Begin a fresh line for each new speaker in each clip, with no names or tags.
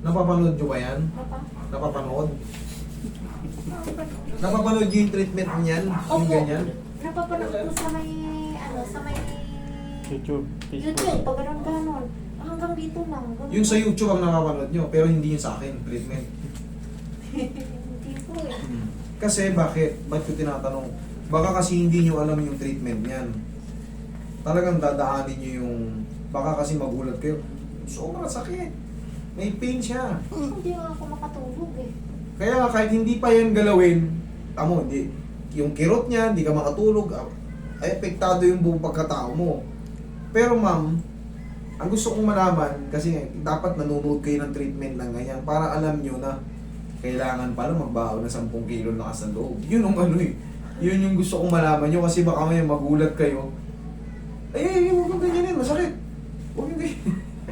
Napapanood nyo ba yan?
Papa?
Napapanood? Napapanood nyo yung treatment niyan? Yung
Opo.
ganyan?
Napapanood ko sa may, ano, sa may
YouTube, Facebook.
YouTube, pag ganon. Hanggang dito lang. Ganun.
Yung sa YouTube ang napapanood nyo, pero hindi yun sa akin, treatment.
Hindi po eh.
Kasi bakit? Ba't ko tinatanong? Baka kasi hindi nyo alam yung treatment niyan. Talagang dadaanin nyo yung... Baka kasi magulat kayo. Sobrang sakit. May pain siya.
Hindi nga ako makatulog eh.
Kaya kahit hindi pa yan galawin, tamo, hindi, yung kirot niya, hindi ka makatulog, ay apektado yung buong pagkatao mo. Pero ma'am, ang gusto kong malaman, kasi dapat nanonood kayo ng treatment ng ganyan para alam nyo na kailangan pala magbaon ng 10 kilo na sa loob. Yun ang ano eh. Yun yung gusto kong malaman nyo kasi baka may magulat kayo. Ay, huwag kang ganyanin, masakit. Huwag yung ganyan.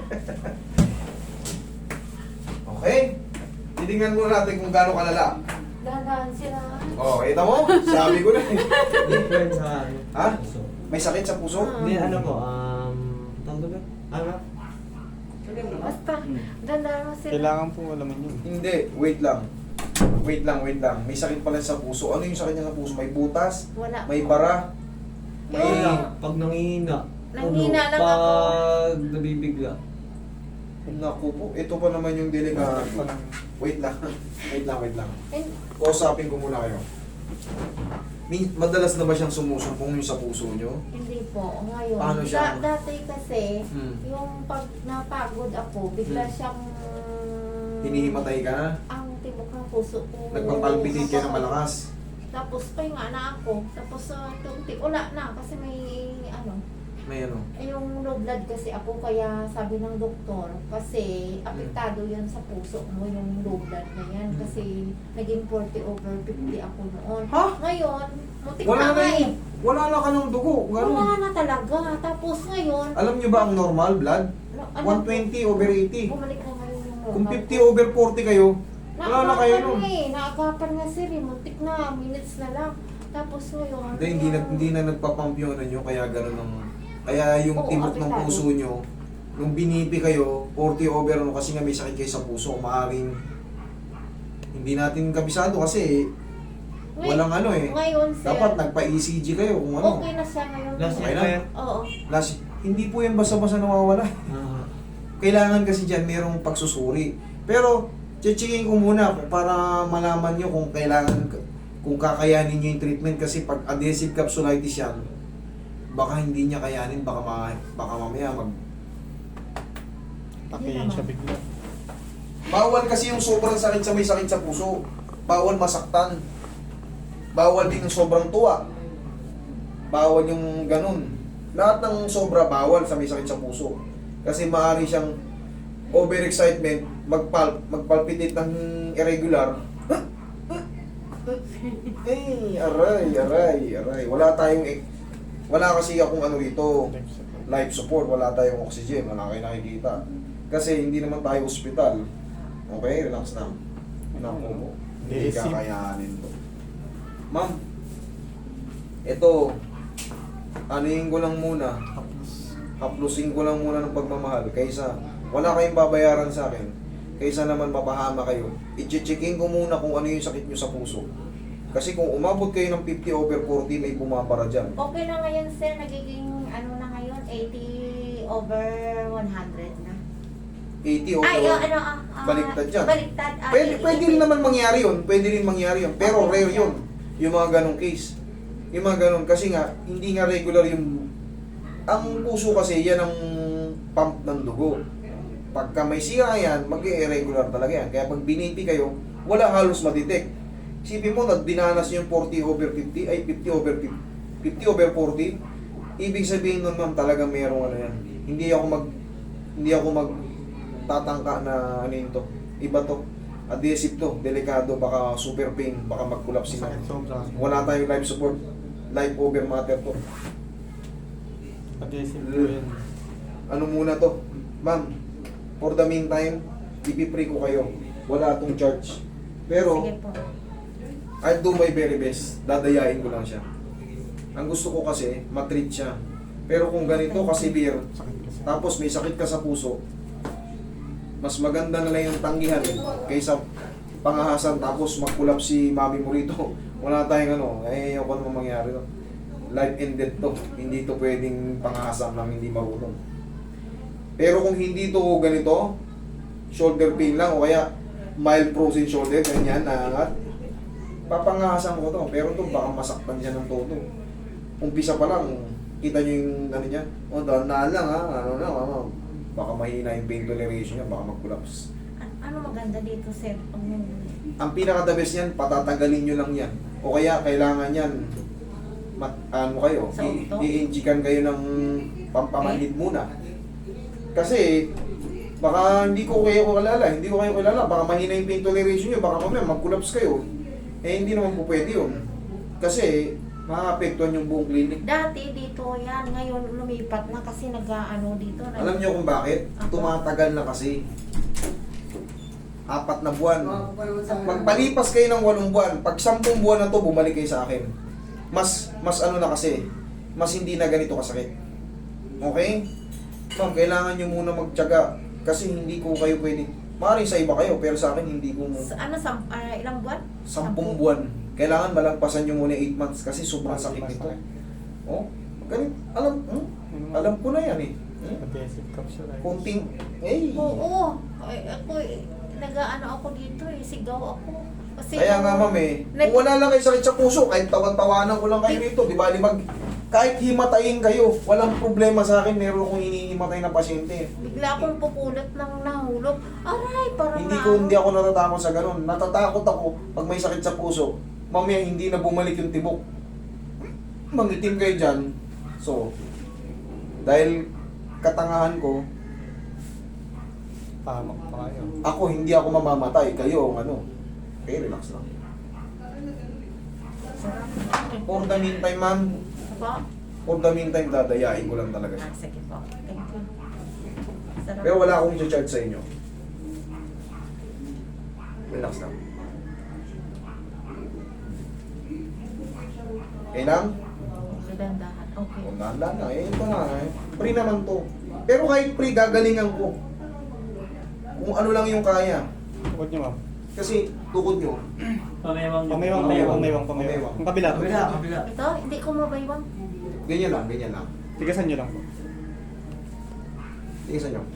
Okay? Titingnan muna natin kung gaano kalala.
Dahan sila.
Oh, kita mo? Sabi ko na eh.
Different sa ano.
Ha?
puso.
May sakit sa puso?
Hindi, ano po, tawag ba? Ano?
Basta, dahan mo sila.
Kailangan po alaman yun.
Hindi, wait lang. Wait lang. May sakit pala sa puso. Ano yung sakit niya sa puso? May butas?
Wala.
May bara? May...
Yung-
Pag nangihina.
Nanghina lang ako.
Pag nabibigla.
Naku po, ito pa naman yung delikado. Wait lang. Wait lang.
Eh,
Kausapin ko muna kayo. Madalas na ba siyang sumusumpong yung sa puso nyo?
hindi po. Ngayon,
Paano siya?
dati kasi,
Hmm.
yung pag napagod ako, bigla siyang...
Hinihimatay ka na?
Ang tibok ng puso ko.
Nagpapalpitate ka ng malakas?
Tapos pahinga na ako. Tapos wala na kasi may ano,
May ano?
yung low blood kasi ako kaya sabi ng doktor kasi apektado yan sa puso mo yung low blood na yan kasi naging 40/50 ako noon.
Ha?
Ngayon, mutik
Wala
na
na
nga eh.
yun. Wala na ka ng dugo.
Wala
Ganun.
na talaga. Tapos ngayon,
Alam nyo ba ang normal blood?
ano,
120/80.
bumalik na ngayon yung normal.
Kung 50/40 kayo, wala na kayo nun.
Naagapan nga sir eh. Muntik na. Minutes na lang. Tapos ngayon.
Hindi na nagpapump yung ano nyo, kaya gano'n ang... Kaya yung
Oo,
tibok ng
apektado.
puso nyo, nung binipi kayo, 40/, ano, kasi nga may sakit kayo sa puso, maaring hindi natin kabisado kasi walang ano eh.
Ngayon sir.
Dapat nagpa-ECG kayo kung ano.
Okay na siya ngayon.
Last
Okay
year
na?
pa yan.
Oo.
Hindi po yan basta-basta nawawala. Kailangan kasi dyan merong pagsusuri. Pero, checking ko muna para malaman nyo kung kailangan, kung kakayanin nyo yung treatment kasi pag adhesive capsulitis yan, baka hindi niya kayanin, baka mamaya
Pakihin siya bigla.
Bawal kasi yung sobrang sakit sa may sakit sa puso. Bawal masaktan. Bawal din yung sobrang tuwa. Bawal yung ganun. Lahat ng sobra bawal sa may sakit sa puso. Kasi maaari siyang overexcitement, magpalpitate ng irregular. Aray. Wala kasi akong ano rito, life support, wala tayong oxygen, wala kayo nakikita. Kasi hindi naman tayo ospital. Okay, relax na. Naku mo, hindi
Basic.
kakayanin to. Ma'am, ito, anuhin ko lang muna, haplusin ko lang muna ng pagmamahal kaysa wala kayong babayaran sa akin, kaysa naman mapahama kayo. I-checkin ko muna kung ano yung sakit nyo sa puso. Kasi kung umabot kayo ng 50/40, may bumabara dyan.
Okay na ngayon sir. Nagiging ano na ngayon? 80/100 na.
80
Ay,
over,
ano,
baliktad yan.
Baliktad.
Pwede rin naman mangyari yun. Pero
Okay.
rare yun. Yung mga ganong case. Yung mga ganon. Kasi nga, hindi nga regular yung... Ang puso kasi, yan ang pump ng dugo. Pagka may sira yan, mag-irregular talaga yan. Kaya pag binipi kayo, wala halos madetect. Isipin mo na dinanas yung 40/50, ay 50/40. Ibig sabihin nun ma'am, talaga mayroong ano yan. Hindi ako magtatangka na ano yun to. Iba to. Adhesive to, delikado, baka super pain, baka mag-collapse na.
Sakit sobra.
Wala tayong life support, life over matter to.
Adhesive po yan.
Ano muna to? Ma'am, for the meantime, ipipre ko kayo. Wala tong charge. Pero,
Sige po.
I'll do my very best. Dadayain ko lang siya. Ang gusto ko kasi, matreat siya. Pero kung ganito ka-severe,
Sakit kasi.
tapos may sakit ka sa puso, Mas maganda na lang yung tanggihan kaysa pangahasan tapos mag-collapse si mami mo rito. Wala tayong ano, ayoko naman mangyari to. Life and death to. Hindi to pwedeng pangahasan lang hindi marunong. Pero kung hindi to ganito, shoulder pain lang o kaya mild frozen shoulder, ganyan, naangat, papangahasan ko to. Pero to baka masaktan siya ng todo. Umpisa pa lang, kita nyo yung ano niya, o dahan lang ha, ano na, baka mahina yung pain toleration niya, baka mag-collapse.
Ano maganda dito, sir?
Ang pinaka-the best niyan, patatagalin nyo lang yan. O kaya kailangan yan, ano kayo,
Sa okto?
i-injikan kayo ng pampamanhid muna. Kasi, baka hindi ko kayo kilala, baka mahina yung pain toleration nyo, baka mamaya mag-collapse kayo. Eh hindi naman po pwede yun. Kasi, maapektuhan yung buong clinic.
Dati dito yan, ngayon lumipat na kasi nag-ano dito.
Alam nyo kung bakit? Tumatagal na kasi. 4 na buwan. Magpalipas kayo ng 8 buwan. Pag 10 buwan na to, bumalik kayo sa akin. Mas ano na kasi, mas hindi na ganito kasakit. Okay? Ma'am, kailangan nyo muna magtiyaga kasi hindi ko kayo pwede. Maaaring sa iba kayo, pero sa akin hindi ko
Ilang buwan?
10 buwan. Kailangan malagpasan nyo muna 8 months kasi sobrang sakit nito. Oh, ganun. Alam ko na yan eh.
Adhesive capsulitis.
Kunting,
Oo. Ako, nag-ano ako dito eh, sigaw ako. Kasi
Kaya nga ma'am kung wala lang kayo sakit sa puso, kahit tawan-tawanan ko lang kayo rito, di ba? Kahit himatayin kayo, walang problema sa akin, meron akong hinihimatay na pasyente.
bigla akong pupulot ng nahulog. Aray, parang
Hindi ako natatakot sa ganun. Natatakot ako pag may sakit sa puso, mamaya hindi na bumalik yung tibok. Mangitim kayo dyan. So, dahil katangahan ko,
Pahamak pa kayo.
ako hindi ako mamamatay, kayo ang ano. Okay, relax lang. For the meantime, ma'am,
Apa?
for the meantime, dadayain ko lang talaga siya.
Sige po. Thank you. Sarap.
Pero wala akong i-charge sa inyo. Relax lang. Okay lang?
Dahan-dahan. Okay.
Kung dahan-dahan na, ito na Free naman to. Pero kahit free, gagalingan ko. Kung ano lang yung kaya.
Tukod niyo, ma'am.
Kasi tukod nyo.
Pamaywang. Ang kabila.
Ito, hindi ko mabaywang.
Ganyan lang.
Tigasan niyo lang po.
Tingnan nyo.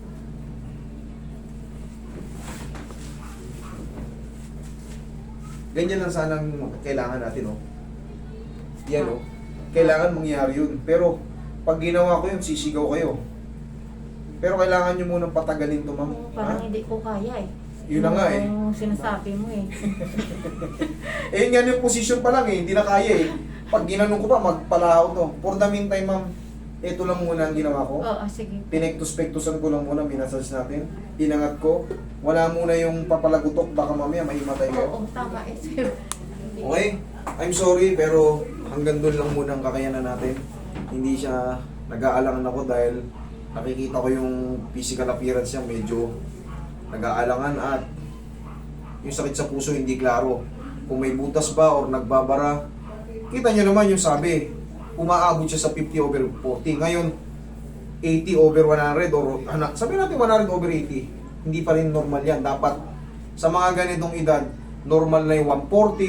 Ganyan lang sanang kailangan natin, oh. Yan, oh. Kailangan mangyari yun. Pero, pag ginawa ko yun, sisigaw kayo. Pero kailangan nyo munang patagalin to, ma'am.
Parang
Ha?
hindi ko kaya eh.
Yun na nga eh.
Yung sinasabi mo eh.
Eh, yun nga yung position pa lang eh. Hindi na kaya eh. Pag ginanong ko pa, magpalahaw to. For the meantime, ma'am, ito lang muna ang ginawa ko.
Oo, sige.
Pinektus-pektusan ko lang muna, minasage natin. Inangat ko. Wala muna yung papalagutok, baka mamaya mahimatay kayo.
Oo, tama eh, sir.
Okay? I'm sorry, pero hanggang doon lang muna ang kakayanan natin. Hindi siya nag-aalangan ako dahil nakikita ko yung physical appearance niya medyo nag-aalangan at yung sakit sa puso hindi klaro. Kung may butas ba or nagbabara, kita niyo naman yung sabi, umaabot siya sa 50/40. Ngayon, 80/100 or sabi natin 100/80. Hindi pa rin normal yan. Dapat sa mga ganitong edad, normal na yung 140,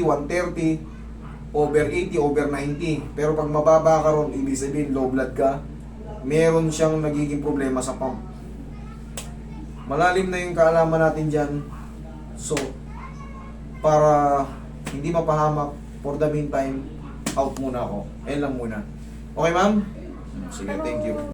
130/80/90. Pero pag mababa ka ron, ibig sabihin low blood ka, meron siyang nagiging problema sa pump. Malalim na yung kaalaman natin dyan. So, para hindi mapahamak, for the meantime, out muna ako. Ayun lang muna. Okay, ma'am? Sige, thank you.